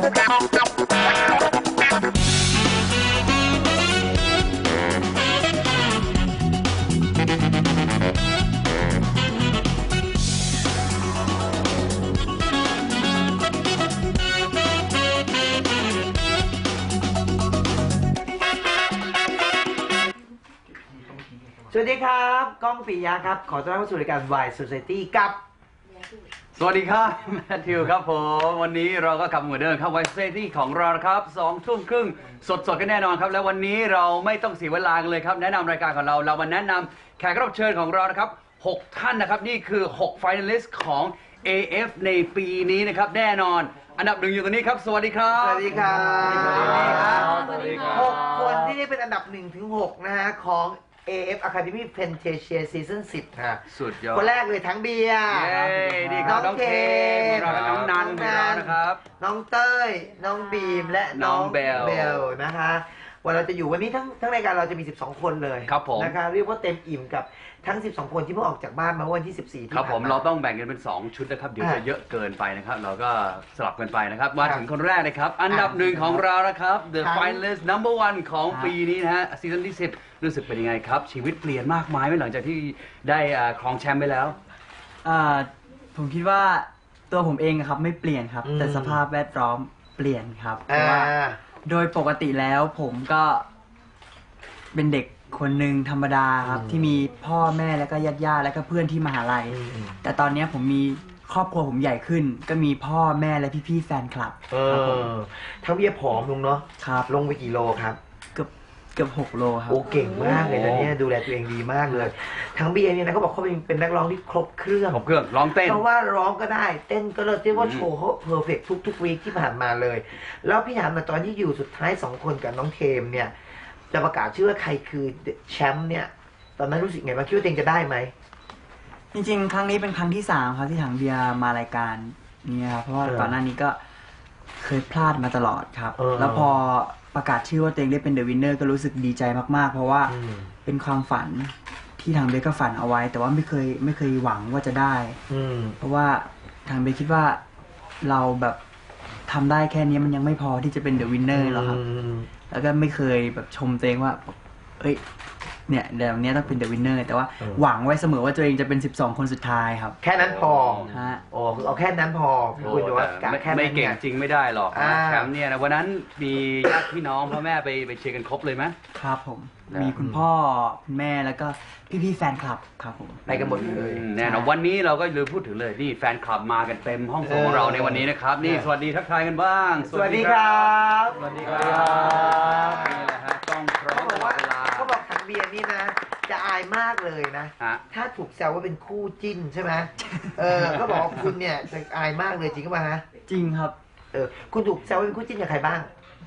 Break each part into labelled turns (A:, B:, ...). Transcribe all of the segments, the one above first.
A: สวัสดีครับก้องปิยะครับขอต้อนรับเข้าสู่รายการ Why Society กับ
B: สวัสดีครับแมทธิวครับผมวันนี้เราก็กลับมาเหมือนเดิมครับ Why Society ของเราครับ2 ทุ่มครึ่งสดกันแน่นอนครับและวันนี้เราไม่ต้องเสียเวลากันเลยครับแนะนำรายการของเรามาแนะนำแขกรับเชิญของเรานะครับ6 ท่านนะครับนี่คือ6 finalist ของ AF ในปีนี้นะครับแน่นอนอันดับ 1อยู่ตรงนี้ครับสวัสดีครับ
A: สวัสดีครับ
B: สวัสดีครับ
A: 6 คนที่ได้เป็นอันดับ1 ถึง 6นะฮะของ AF Academy Fantasia Season 10ค่ะ
B: สุดยอด
A: คนแรกเลยทั้งเบียร์
B: น้องเทมน้องนันนะครับ
A: น้องเต้ยน้องบีมและน้องเบลนะคะวันเราจะอยู่วันนี้ทั้งรายการเราจะมี12 คนเลย
B: ครับผม
A: นะคะเรียกว่าเต็มอิ่มกับทั้ง12 คนที่เพิ่งออกจากบ้านมาวันที่14ที่
B: ครับผมเราต้องแบ่งกันเป็น2 ชุดนะครับเดี๋ยวจะเยอะเกินไปนะครับเราก็สลับกันไปนะครับมาถึงคนแรกนะครับอันดับ 1ของเรานะครับ The Finalist Number 1ของปีนี้นะฮะซีซั่นที่10รู้สึกเป็นยังไงครับชีวิตเปลี่ยนมากมายไหมหลังจากที่ได้ครองแชมป์ไปแล้ว
C: ผมคิดว่าตัวผมเองครับไม่เปลี่ยนครับแต่สภาพแวดล้อมเปลี่ยนครับเพราะว่าโดยปกติแล้วผมก็เป็นเด็กคนหนึ่งธรรมดาครับที่มีพ่อแม่แล้วก็ญาติแล้วก็เพื่อนที่มหาลัยแต่ตอนนี้ผมมีครอบครัวผมใหญ่ขึ้นก็มีพ่อแม่และพี่ๆแฟนคลับ
A: ทั้งเบียผอมลงเนาะ
C: ครับ
A: ลงไปกี่โลครับ
C: เกือบ6 โลครับ
A: โอ้เก่งมากเลยตอนนี้ดูแลตัวเองดีมากเลยทั้งเบียเนี่ยนะเขาบอกเขาเป็นนักร้องที่ครบเครื่อง
B: ร้องเต้น
A: เพราะว่าร้องก็ได้เต้นก็เลยเรียกว่าโชว์เขาเพอร์เฟกทุกวีคที่ผ่านมาเลยแล้วพี่ถามมาตอนที่อยู่สุดท้าย2 คนกับน้องเทมเนี่ยจะประกาศชื่อว่าใครคือแชมป์เนี่ยตอนนั้นรู้สึกไงบ้างคิดว่าตัวเองจะได้ไหม
C: จริงๆครั้งนี้เป็นครั้งที่3ครับที่ถังเบียร์มารายการนี้ครับเพราะว่าก่อนหน้านี้ก็เคยพลาดมาตลอดครับแล้วพอประกาศชื่อว่าตัวเองได้เป็นเดอะวินเนอร์ก็รู้สึกดีใจมากๆเพราะว่าเป็นความฝันที่ทางเบสก็ฝันเอาไว้แต่ว่าไม่เคยหวังว่าจะได้เพราะว่าทางเบสคิดว่าเราแบบทำได้แค่นี้มันยังไม่พอที่จะเป็นเดอะวินเนอร์หรอกครับแล้วก็ไม่เคยแบบชมตัวเองว่าเอ้ยเนี่ยเดี๋ยวนี้ต้องเป็นเดอะวินเนอร์แต่ว่าหวังไว้เสมอว่าตัวเองจะเป็น12 คนสุดท้ายครับ
A: แค่นั้นพอ
C: ฮะ
A: โอ้เอาแค่นั้นพอคุณจะว่าแค่
B: ไม่เก่งจริงไม่ได้หรอกแชมป์เนี่ยนะวันนั้นมีญาติพี่น้องพ่อแม่ไปเชียร์กันครบเลยไหม
C: ครับผมมีคุณพ่อคุณแม่แล้วก็พี่ๆแฟนคลับครับผม
A: ไปกันหมดเลย
B: แน่นอนวันนี้เราก็ลืมพูดถึงเลยนี่แฟนคลับมากันเต็มห้องส่งของเราในวันนี้นะครับนี่สวัสดีทักทายกันบ้าง
A: สวัสดีครับ
B: สวัสดีครับนี่แหละฮะต้องพร้อมตลอดเวลา
A: เขาบอกถังเบียร์นี่นะจะอายมากเลยนะถ้าถูกแซวว่าเป็นคู่จิ้นใช่ไหมก็บอกคุณเนี่ยจะอายมากเลยจริงหรือเปล่าฮะ
C: จริงครับ
A: คุณถูกแซวว่าเป็นคู่จิ้นกับใครบ้าง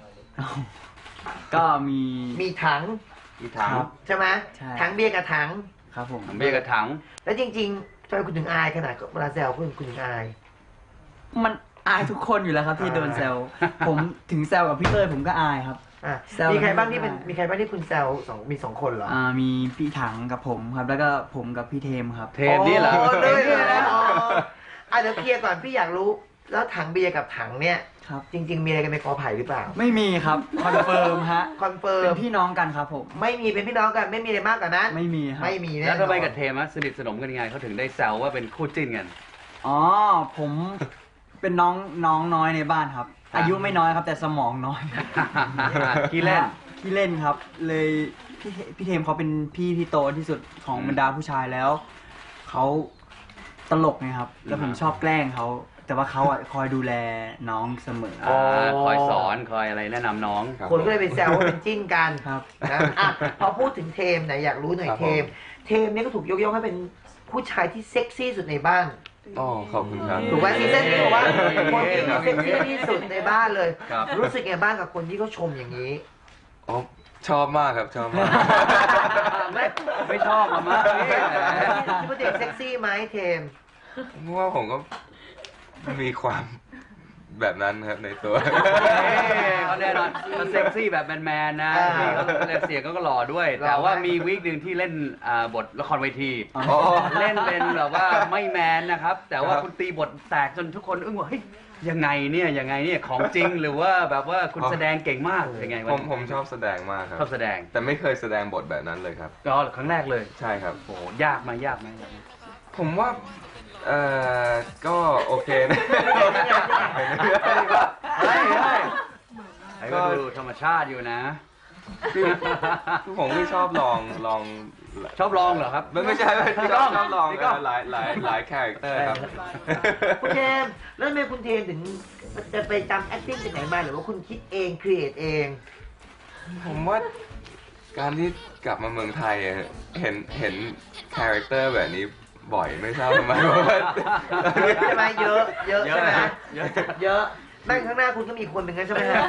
C: ก็
A: มีถังใช่ไหมถังเบียร์กับถัง
C: ครับผม
B: ถังเบียร์กับถัง
A: แล้วจริงๆทำไมคุณถึงอายขนาดเวลาแซวคุณถึงอาย
C: มันอายทุกคนอยู่แล้วครับที่โดนแซวผมถึงแซวกับพี่เต้ยผมก็อายครับ
A: มีใครบ้างที่คุณแซวมี2 คนเหรอ
C: มีพี่ถังกับผมครับแล้วก็ผมกับพี่เทมครับ
B: เทมนี่เหรอ
A: เดี๋ยวเคลียร์ก่อนพี่อยากรู้แล้วถังเบียร์กับถังเนี่ยจริงๆมีอะไรกันในกอไผ่หรือเปล่า
C: ไม่มีครับคอนเฟิร์มฮะ
A: คอนเฟิร์ม
C: เป็นพี่น้องกันครับผม
A: ไม่มีเป็นพี่น้องกันไม่มีอะไรมากกว่านั้น
C: ไม่มีครับ
A: ไม่มีแน่
B: แล้วทำไมกับเทมสนิทสนมกันยังไงเขาถึงได้แซวว่าเป็นคู่จิ้นกัน
C: ผมเป็นน้องน้อยในบ้านครับอายุไม่น้อยครับแต่สมองน้อย
B: ขี้เ
C: ล่นครับเลยพี่เทมเขาเป็นพี่ที่โตที่สุดของบรรดาผู้ชายแล้วเขาตลกไงครับแล้วผมชอบแกล้งเขาแต่ว่าเขาคอยดูแลน้องเสมอ
B: คอยสอนคอยอะไรแนะนำน้อง
A: คนก็เลยไปแซวว่าเป็นจิ้นกันครับพอพูดถึงเทมไหนอยากรู้หน่อยเทมเนี่ยก็ถูกยกย่องให้เป็นผู้ชายที่เซ็กซี่สุดในบ้าน
D: ขอบคุณครับ
A: ถูกไหมซีซั่นนี้บอกว่าคนที่เซ็กซี่ที่สุดในบ้านเลยรู้สึกไงบ้างกับคนที่เขาชมอย่างนี้
D: ชอบมากครับชอบมาก
B: ไม่ชอบมาก
A: คิดว่าเด็กเซ็กซี่ไหมเทม
D: ว่าผมก็มีความแบบนั้นครับในตัว
B: เขาแน่นอนเขาเซ็กซี่แบบแมนๆนะนี่เขาเสียงก็หล่อด้วย แต่ว่ามีวีคหนึ่งที่เล่นบทละครเวที
D: อ๋อ
B: เล่นเป็นแบบว่าไม่แมนนะครับ แต่ว่าคุณตีบทแตกจนทุกคนอึ้งว่าเฮ้ยยังไงเนี่ยของจริงหรือว่าแบบว่าคุณแสดงเก่งมากยังไงวะ
D: ผมชอบแสดงมากครับ
B: ชอบแสดง
D: แต่ไม่เคยแสดงบทแบบนั้นเลยครับ
B: ก็ครั้งแรกเลย
D: ใช่ครับ
B: โอ้โหยากไหมยากไหม
D: ผมว่าก็โอเคนะ
B: เฮ้ยก็ดูธรรมชาติอยู่นะ
D: คือผมไม่ชอบลอง
B: ชอบลองเหรอครับ
D: ไม่ใช่
B: พี่ก้
D: ชอ
B: อบ ง
D: ลอง
B: พี่ก้อง
D: หลายคาแรคเตอร์ครับ
A: คุณเทมแล้วทำไมคุณเทมถึงจะไปจำ acting จากไหนมาหรือว่าคุณคิดเอง create เอง
D: ผมว่าการที่กลับมาเมืองไทยอะเห็นคาแรคเตอร์แบบนี้บ่อยไม่ทราบทำไมเพราะว่า
A: ใช่ไหมเยอะใช่ไหม
B: เยอะ
A: เยอะนั่งข้างหน้าคุณก็มีคนหนึ่งนั้นใช่ไหมฮะ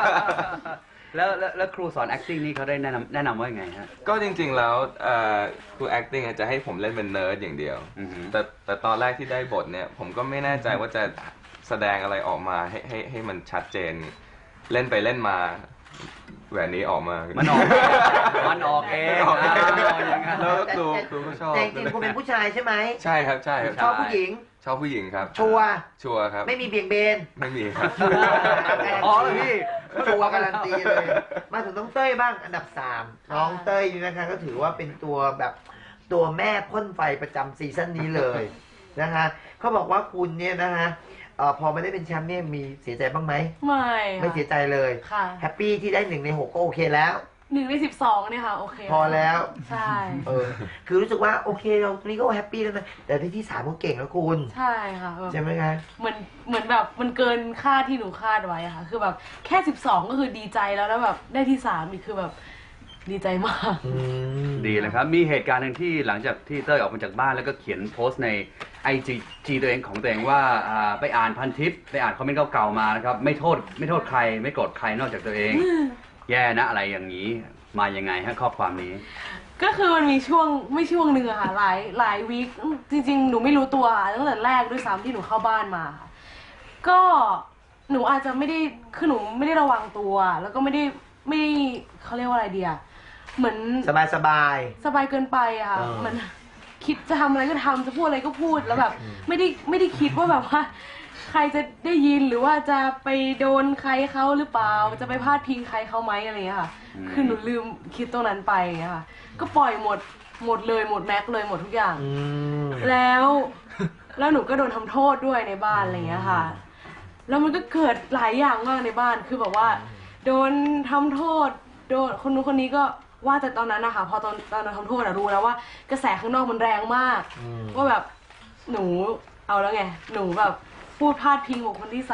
B: แล้วครูสอน acting นี่เขาได้แนะนำว่ายังไงฮะ
D: ก็จริงๆแล้วครู acting จะให้ผมเล่นเป็นเนิร์ดอย่างเดียว
B: อือหือ
D: แต่ตอนแรกที่ได้บทเนี่ยผมก็ไม่แน่ใจว่าจะแสดงอะไรออกมาให้มันชัดเจน เล่นไปเล่นมาแหวนนี้ออกมา
B: มั
D: มัน
B: ออกเอง
D: ออกเอง
B: อย่างนั้น
D: แล้วครูก็ชอบ
A: แต่จริงๆคุณเป็นผู้ชายใช่ไหม
D: ใช่ครับใช่ครับ
A: ชอบผู้หญิง
D: ชอบผู้หญิงครับ
A: ชัวร์
D: ชัวร์ครับ
A: ไม่มีเบี่ยงเบน
D: ไม่มีครับ
B: อ๋อแล้วพี่
A: ชัวร์การันตีเลย มาถึงน้องเต้ยบ้างอันดับ 3 น้องเต้ยนี่นะคะก็ถือว่าเป็นตัวแบบตัวแม่พ่นไฟประจำซีซั่นนี้เลยนะคะเขาบอกว่าคุณเนี่ยนะคะพอไม่ได้เป็นแชมป์เนี่ยมีเสียใจบ้างไหม ไม่เสียใจเลย
E: ค่ะ
A: แฮปปี้ที่ได้1 ใน 6ก็โอเคแล้ว
E: 1 ใน 12เนี่ยค่ะโอเค
A: พอแล้ว
E: ใช่
A: คือรู้สึกว่าโอเคเราตรงนี้ก็แฮปปี้แล้วนะแต่ที่3ก็เก่งแล้วคุณ
E: ใช่ค่ะแบบ
A: ใช่ไหมคะ
E: เหมือนแบบมันเกินคาดที่หนูคาดไว้อะค่ะ คือแบบแค่ 12 ก็คือดีใจแล้วแบบได้ที่3อีกคือแบบดีใจมาก
B: ดีเลยครับ มีเหตุการณ์หนึ่งที่หลังจากที่เต้ยออกมาจากบ้านแล้วก็เขียนโพสต์ใน IG ตัวเองของตัวเองว่าไปอ่านพันทิปไปอ่านคอมเมนต์เก่าๆมานะครับไม่โทษใครไม่โกรธใครนอกจากตัวเอง แย่นะอะไรอย่างนี้มายังไงฮะข้อความนี้
E: ก็คือมันมีช่วงหนึ่งอะค่ะหลายวีคจริงๆ หนูไม่รู้ตัวตั้งแต่แรกด้วยซ้ำที่หนูเข้าบ้านมาค่ะก็หนูอาจจะไม่ได้คือหนูไม่ได้ระวังตัวแล้วก็ไม่ได้เขาเรียกว่าอะไรเดียเหมือน
A: สบาย
E: สบายเกินไปอะค่ะมัน คิดจะทำอะไรก็ทำจะพูดอะไรก็พูดแล้วแบบไม่ได้คิดว่าแบบว่า ใครจะได้ยินหรือว่าจะไปโดนใครเขาหรือเปล่าจะไปพาดพิงใครเขาไหมอะไรอย่างเงี้ยค่ะ คือหนูลืมคิดตรงนั้นไปอย่างเงี้ยค่ะ ก็ปล่อยหมดเลยหมดแม็กเลยหมดทุกอย่างแล้วหนูก็โดนทำโทษด้วยในบ้านอะไรอย่างเงี้ยค่ะ แล้วมันก็เกิดหลายอย่างมากในบ้านคือแบบว่า โดนทำโทษโดนคนนู้นคนนี้ก็ว่าแต่ตอนนั้นนะคะพอตอนโดนทำโทษอะรู้แล้วว่ากระแสข้างนอกมันแรงมากว่าแบบหนูเอาแล้วไงหนูแบบพูดพาดพิงบุคคลที่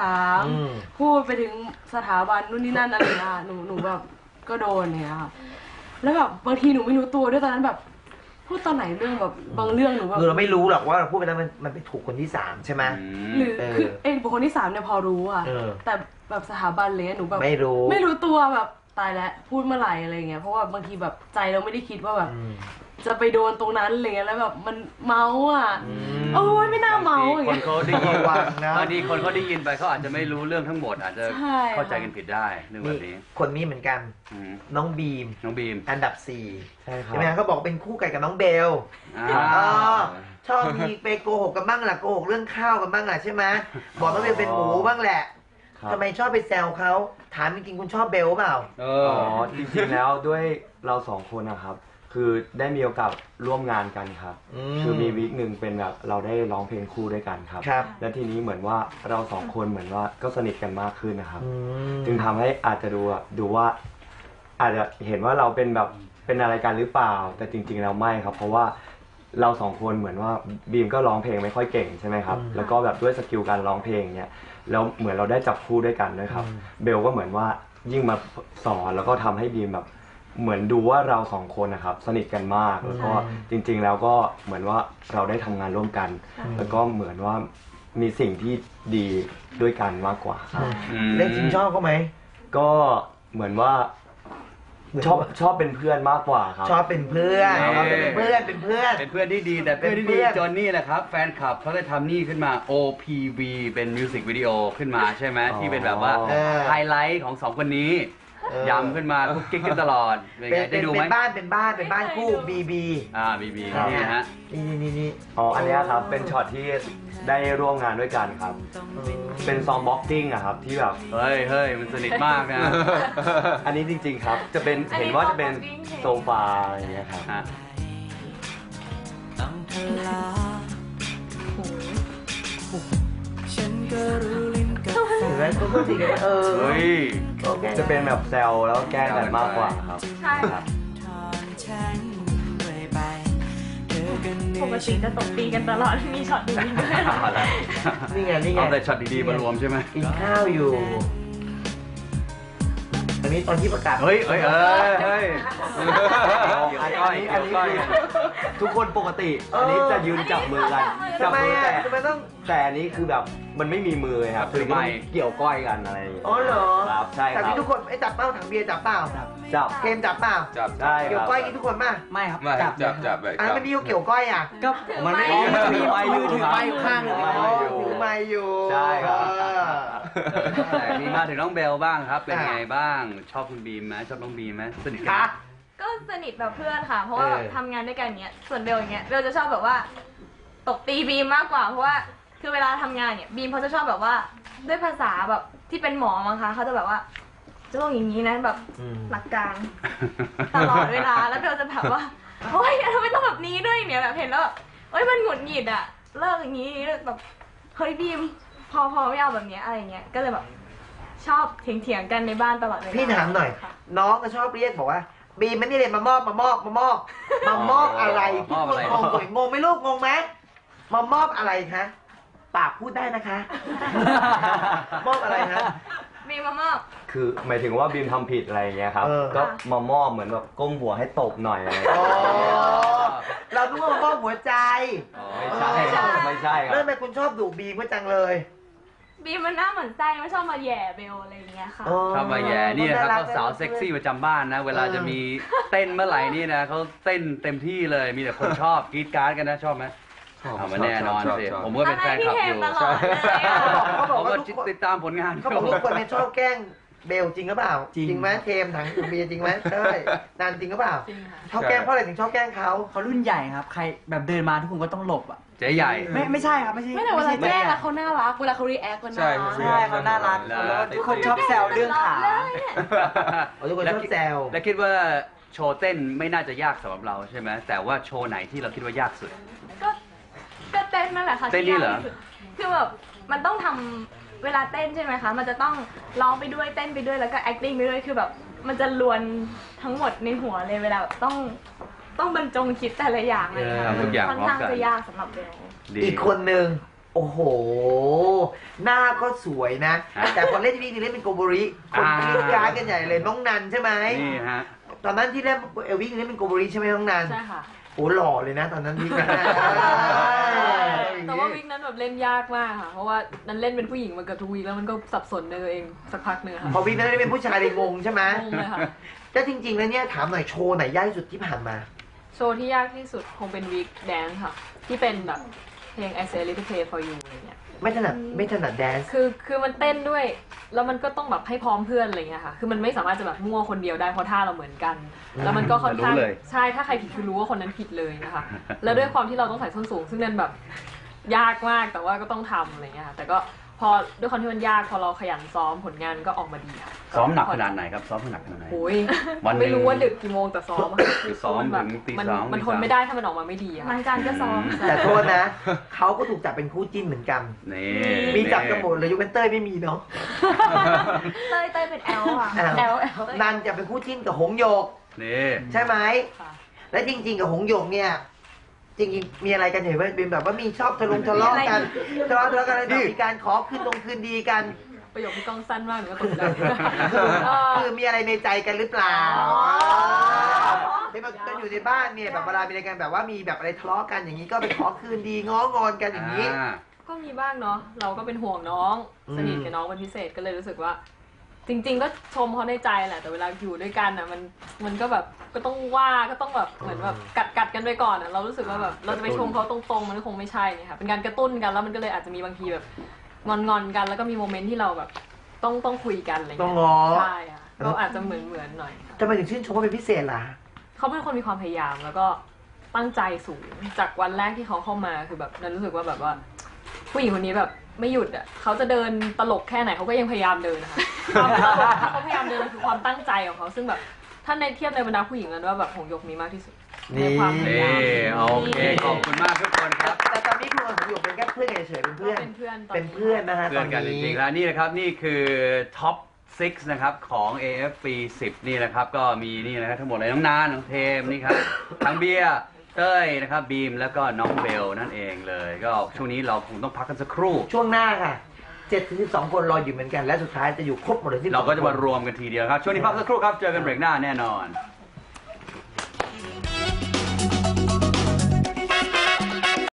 E: 3พูดไปถึงสถาบันนู่นนี่นั่นอะไรนะหนูแบบก็โดนเนี่ยค่ะแล้วแบบบางทีหนูไม่รู้ตัวด้วยตอนนั้นแบบพูดตอนไหนเรื่องแบบบางเรื่องหนูแบบ
A: คือเราไม่รู้หรอกว่าเราพูดไปแล้วมันไปถูกคนที่3ใช่ไหม
E: หรือคือบุคคลที่3เนี่ยพอรู้อะแต่แบบสถาบันเลยหนูแบบไม่รู้ตัวแบบตายแล้วพูดเมื่อไหร่อะไรเงี้ยเพราะว่าบางทีแบบใจเราไม่ได้คิดว่าแบบจะไปโดนตรงนั้นอะไรเงี้ยแล้วแบบมันเมาอ่ะโอ้ยไม่น่าเมาอย่าง
B: ค
E: เงี้
B: น
E: ย
B: เขาได้ยินบางทีคนเขาได้ยินไปเขาอาจจะไม่รู้เรื่องทั้งหมดอาจจะเข้าใจกันผิดได้เรื่องแบบนี้
A: คนนี้เหมือนกันน้องบีม อันดับ4
C: ใช่ครับ
A: ใช่ไหมเขาบอกเป็นคู่กันกับน้องเบลชอบมีไปโกหกกันบ้างแหละโกหกเรื่องข้าวกันบ้างแหละใช่ไหมบอกน้องเบลเป็นหมูบ้างแหละทำไมชอบไปแซวเขาถามจริงๆคุณชอบเบลเปล่า
F: อ๋อจริงๆแล้วด้วยเรา2 คนนะครับคือได้มีโอกาสร่วมงานกันครับคือมีวีคหนึ่งเป็นแบบเราได้ร้องเพลงคู่ด้วยกันครับและทีนี้เหมือนว่าเรา2 คนเหมือนว่าก็สนิทกันมากขึ้นนะครับจึงทำให้อาจจะดูว่าอาจจะเห็นว่าเราเป็นแบบเป็นอะไรกันหรือเปล่าแต่จริงๆแล้วไม่ครับเพราะว่าเรา2 คนเหมือนว่าบีมก็ร้องเพลงไม่ค่อยเก่งใช่ไหมครับแล้วก็แบบด้วยสกิลการร้องเพลงเนี่ยแล้วเหมือนเราได้จับคู่ด้วยกันด้วยครับเบลก็เหมือนว่ายิ่งมาสอนแล้วก็ทำให้บีมแบบเหมือนดูว่าเรา2 คนนะครับสนิทกันมากแล้วก็จริงๆแล้วก็เหมือนว่าเราได้ทำงานร่วมกันแล้วก็เหมือนว่ามีสิ่งที่ดีด้วยกันมากกว่าครับ
A: เล่นจริงชอบเขาไหม
F: ก็เหมือนว่าชอบเป็นเพื่อนมากกว่าครับ
A: ชอบเป็นเพื่อน
B: เออ
A: เป็นเพื่อนเป็นเพื่อน
B: เป็นเพื่อนที่ดีแต่เพื่อนที่
A: เป็นเพื่
B: ดี
A: อน
B: จนนี่แหละครับแฟนคลับเขาได้ทำนี่ขึ้นมา OPV เป็นมิวสิกวิดีโอขึ้นมาใช่ไหม
F: อ๋อ
B: ที่เป็นแบบว่า
A: เออ
B: ไฮไลท์ของสองคนนี้
A: เออย
B: ำขึ้นมาคุกกิ๊กกันตลอดเป็น
A: เป็น
B: ไงได้ดูไหม
A: เป็นบ้านเป็นบ้านคู่บีบี
B: บี
F: ครับ
B: นี่ฮะ
A: นี่
F: อ๋ออันเนี้ยครับเป็นช็อตที่ได้ร่วมงานด้วยกันครับ เป็นซองบ็อกซิ่งอะครับที่แบบ
B: เฮ้ยมันสนิทมากนะ
F: อันนี้จริงๆครับจะเป็น
E: อันนี้
F: เห็นว่าจะเป็น
E: ซองบ็อกซิ่ง
F: โซฟาอะไรอย่างเงี้ยครับ
B: ฮะ
A: เห็นไหมเขาก็ดีกัน
B: เฮ้ย
A: โอเค
F: จะเป็นแบบแซวแล้วแกล้งกันมากกว่าครับ
E: ใช่ค่ะปกติจะตบตีกันตลอดมีช็อตดีๆด้วย
A: นี่ไง
B: เอาแต่ช็อตดีๆมารวมใช่ไหม
A: กินข้าวอยู่ อันนี้ตอนที่ประกาศ
B: เฮ้ย
F: อันนี้คือทุกคนปกติ อันนี้จะยืนจับมือกันจั
A: ทำไม
F: มือ
A: อ่ะทำไมต้อง
F: แต่อันนี้คือแบบมันไม่มีมือครับคือต้องเกี่ยวก้อยกันอะไรอย่างเงี้ย
A: อ๋อเหรอ
F: ครับใช่ค
A: แต่
F: รับ
A: ที่ทุกคนไอ้จับเป้าถังเบียร์จับเปล่า
F: จับ
A: เกมจับเปล่า
D: จับ
F: ได้ค
A: เกี่ยว
F: รับ
A: ก้อยกินทุกคนป่ะ
C: ไม่ครับ
D: ไม่ครับจับแบบ
A: อันนั้นไม่มีเกี่ยวก้อยอ่ะ
C: ก็
F: มันไม่
C: ถื
F: มี
C: อไม้อยู่ถือไม้อยู่ข้างหนึ่ง
F: ถือไม้อยู่
A: ถือไม้อยู่
F: ใช่ครับ
A: เออ
B: มีมาถึงน้องเบลบ้างครับ เป็น
A: อ่ะ
B: ไงบ้าง ชอบคุณบีมไหมชอบน้องบีมไหมสนิทกัน
A: คะ
B: ไหม
E: ก็สนิทแบบเพื่อนค่ะ เพราะว่า
A: เออ
E: ทำงานด้วยกันอย่างเงี้ย ส่วนเบลอย่างเงี้ย เบลจะชอบแบบว่าตบตีบีมมากกว่า เพราะว่าคือเวลาทำงานเนี่ยบีมเขาจะชอบแบบว่าด้วยภาษาแบบที่เป็นหมอมั้งคะเขาจะแบบว่าจะต้องอย่างนี้นะแบบ
A: อืม
E: หลักการตลอดเวลา แล้วเบลจะแบบว่าโอ๊ยทำไมต้องแบบนี้ด้วยเนี่ยแบบเห็นแล้วแบบเอ้ยมันหงุดหงิดอะเลิกอย่างนี้แบบเฮ้ยบีมพอไม่เอาแบบเนี้ยอะไรเงี้ย ก็เลยแบบชอบเถียงกันในบ้านตลอดเวลา
A: พี่ถามหน่อย
E: ค่ะ
A: น้องก็ชอบเรียกบอกว่า บีมมันนี่เลยมามอบอะไร
B: มอบอะไร
A: งงเลยงงไหมลูกงงไหมมามอบอะไรคะปากพูดได้นะคะ มอบอะไรคะ
E: บีมามอบ
F: คือหมายถึงว่าบีมทำผิดอะไรอย่างเงี้ยครับ
A: เออ
F: ก็มามอบเหมือนแบบก้มหัวให้ตบหน่อยอะไรอย่าง
A: อ๋อ
F: เงี้ย
A: เราต้องมอบหัวใจ
F: ไม่ใช่ไม่ใช่ค
A: แล้
F: รั
A: ว
F: บ
A: ทำไมคุณชอบดุบีมก็จังเลย
E: บีมมันหน้าเหมือนไส้ไม่ชอบมาแหย่เบลอะไรอย่างเงี้ยค่ะ
B: ชอบมาแย่นี่นะครับเขาสาวเซ็กซี่ประจำบ้านนะ เวลาจะมีเต้นเมื่อไหร่นี่นะเขาเต้นเต็มที่เลย มีแต่คนชอบกรี๊ดกราร์ดกันนะชอบไหมเอามาแน่นอนสิผมก็เป็นแฟนคลับอยู่
E: อะไรที่เห็นตลอดเลยอะ
B: ผมก็ติดตามผลงาน
A: เขาบอกทุกคนเนี่ยชอบแกล้งเบลจริงหรือเปล่า
C: จริง
A: ไหมเทมถังคุณเบียร์จริงไหมใช่นานจริงหรือเปล่า
E: จริงค่ะ
A: ชอบแกล้งเพราะอะไรถึงชอบแกล้งเขา
C: เขารุ่นใหญ่ครับ ใครแบบเดินมาทุกคนก็ต้องหลบอ่ะ
B: เจ๊ใหญ่
C: ไม่ใช่ครับไม่ใช่
E: ไม่แต่เวลา
C: ใช่
E: แกล้ง
C: จ๊
E: อะเขาน่ารัก เวลาเขารีแอคมันน่ารัก
C: ใช่เขาน่ารัก
B: แล้ว
C: ทุกคนชอบแซวเรื่องขา
A: ทุกคนชอบแซว
B: และคิดว่าโชว์เต้นไม่น่าจะยากสำหรับเราใช่ไหมแต่ว่าโชว์ไหนที่เราคิดว่ายากสุด
E: ก็เต้นนั่นแหละค่ะ
B: เต้นนี่เหรอ
E: ที่ยากที่สุดคือแบบมันต้องทำเวลาเต้นใช่ไหมคะ มันจะต้องร้องไปด้วยเต้นไปด้วยแล้วก็ acting ไปด้วยคือแบบ มันจะลวนทั้งหมดในหัวเลยเวลาแบบต้องบรรจงคิดแต่ละอย่างเลยค่ะ
B: ทำทุกอย่าง
E: ค่อน
B: พร้อม
E: ข้าง
B: กัน
E: จะยากสำหรับเบล
B: ดี
A: อีกคนหนึ่งโอ้โห หน้าก็สวยนะ
B: อ่ะ
A: แต่พอเล่นทีวีเล่นเป็นโกโบริ คนกรี๊ดกราร์ดกันใหญ่เลยน้องนันใช่ไหม
B: นี่ฮะ
A: ตอนนั้นที่เล่นเอลวิ่งเล่นเป็นโกโบริใช่ไหมน้องนัน
E: ใช่ค่ะ
A: โอ้หล่อเลยนะ ตอนนั้นวิ่งนะ
G: แต่ว่าวิกนั้นแบบเล่นยากมากค่ะ เพราะว่านั้นเล่นเป็นผู้หญิงมาเกือบทุกวีคแล้วมันก็สับสนในตัวเองสักพักหนึงค่ะ
A: พอวิ่งนั้นได้เป็นผู้ชายเลยงงใช่ไหม
G: งงเลยค่ะ
A: แต่จริงๆแล้วเนี่ยถามหน่อยโชว์ไหนยากที่สุดที่ผ่านมา
G: โชว์ที่ยากที่สุดคงเป็นวีคแดนซ์ค่ะ ที่เป็นแบบเพลง I Say a Little Play for You อะไรเงี้ย
A: ไม่ถนัดแดนซ์
G: คือมันเต้นด้วย แล้วมันก็ต้องแบบให้พร้อมเพื่อนอะไรเงี้ยค่ะ คือมันไม่สามารถจะแบบมั่วคนเดียวได้เพราะท่าเราเหมือนกัน แล้วมันก็ค่อนข้าง
B: รู้เลย
G: ใช่ถ้าใครผิดคือรู้ว่าคนนั้นผิดเลยนะคะ แล้วด้วยความที่เราต้องใส่ส้นสูง ซึ่งนั่นแบบยากมากแต่ว่าก็ต้องทำอะไรเงี้ยค่ะแต่ก็พอด้วยความที่มันยากพอเราขยันซ้อมผลงานก็ออกมาดีค่ะ
B: ซ้อมหนักขนาดไหนครับซ้อมหนักขนาดไหน
G: โอ้ย
B: วันหนึ่ง
G: ไม่รู้ว่าดึกกี่โมงแต่ซ้อมอะ
B: คือซ้อม
G: แบบ
B: ถึงตี
G: มัน
B: สอง
G: มัน
B: ตี
G: ทน
B: สาม
G: ไม่ได้ถ้ามันออกมาไม่ดีอะ
E: ทางการก็ซ้อม
A: แต่โทษนะ เขาก็ถูกจับเป็นคู่จิ้นเหมือนกัน
B: นี่
A: มีจับกันหมดเลยยกเว้นเต้ยไม่มีเนาะ
E: เต้ยเป็นแอลค่ะ
A: อ้าว
E: แอล
A: นันจะเป็นคู่จิ้นกับหงโยก
B: นี่
A: ใช่ไหม
G: ค่ะ
A: และจริง ๆ กับหงโยกเนี่ย จริงๆมีอะไรกันเห็นไหมเป็นแบบว่ามีชอบทะเลาะกันทะเลาะกันอะไรแบบมีการขอคืนดีกัน
G: ประโยคที่กล้องสั้นมากหนูก็ตกใจ
A: คือมีอะไรในใจกันหรือเปล่า
E: อ๋อ
A: ที่มันก็อยู่ในบ้านเนี่ยแบบเวลามีอะไรกันแบบว่ามีแบบอะไรทะเลาะกันอย่างนี้ก็ไปขอคืนดีง้องอนกันอย่างนี้
B: อ่า
G: ก็มีบ้างเนาะเราก็เป็นห่วงน้อง
A: อืม
G: สนิทกับน้องเป็นพิเศษก็เลยรู้สึกว่าจริงๆก็ชมเขาในใจแหละแต่เวลาอยู่ด้วยกันอ่ะมันก็แบบก็ต้องว่าก็ต้องแบบเหมือนแบบกัดกันไปก่อนอ่ะเรารู้สึกว่าแบบเราจะไปชมเขาตรงๆมันก็คงไม่ใช่เนี่ยค่ะเป็นการกระตุ้นกันแล้วมันก็เลยอาจจะมีบางทีแบบงอนกันแล้วก็มีโมเมนต์ที่เราแบบต้องคุยกันอะไรเงี้ย
A: ต้องง้อ
G: ใช่ค่ะก็อาจจะเหมือนหน่อยค่ะ
A: ทำไมถึงชื่นชมเขาเป็นพิเศษล่ะ
G: เขาเป็นคนมีความพยายามแล้วก็ตั้งใจสูงจากวันแรกที่เขาเข้ามาคือแบบนั้นรู้สึกว่าแบบว่าผู้หญิงคนนี้แบบไม่หยุดอ่ะเขาจะเดินตลกแค่ไหนเขาก็ยังพยายามเดินนะคะความตลกที่เขาพยายามเดินคือความตั้งใจของเขาซึ่งแบบถ้าในเทียบในบรรดาผู้หญิงนั้นว่าแบบหงส์หยกมีมากที่สุดในความพยายาม
B: โอเคขอบคุณมากทุกคนครับ
A: แต่ตอนนี้คุณกับผมอยู่เป็นแค่เพื่อนเฉยๆเป็นเพื่อน
G: เป็นเพื่อนตอนนี้
A: เป็นเพื่อนนะฮะ
B: เพื่อนกันจริงๆแล้วนี่นะครับนี่คือท็อป 6 นะครับของ AFP 10 นี่นะครับก็มีนี่นะครับทั้งหมดเลยน้องนานน้องเทมนี่ครับทั้งเบียร์เต้ยนะครับบีมแล้วก็น้องเบลนั่นเองเลยก็ช่วงนี้เราคงต้องพักกันสักครู่
A: ช่วงหน้าค่ะ7-12 คนรออยู่เหมือนกันและสุดท้ายจะอยู่ครบหมดเลยที่
B: เราก็จะมารวมกันทีเดียวครับช่วงนี้พักสักครู่ครับเจอกันเบรกหน้าแน่นอน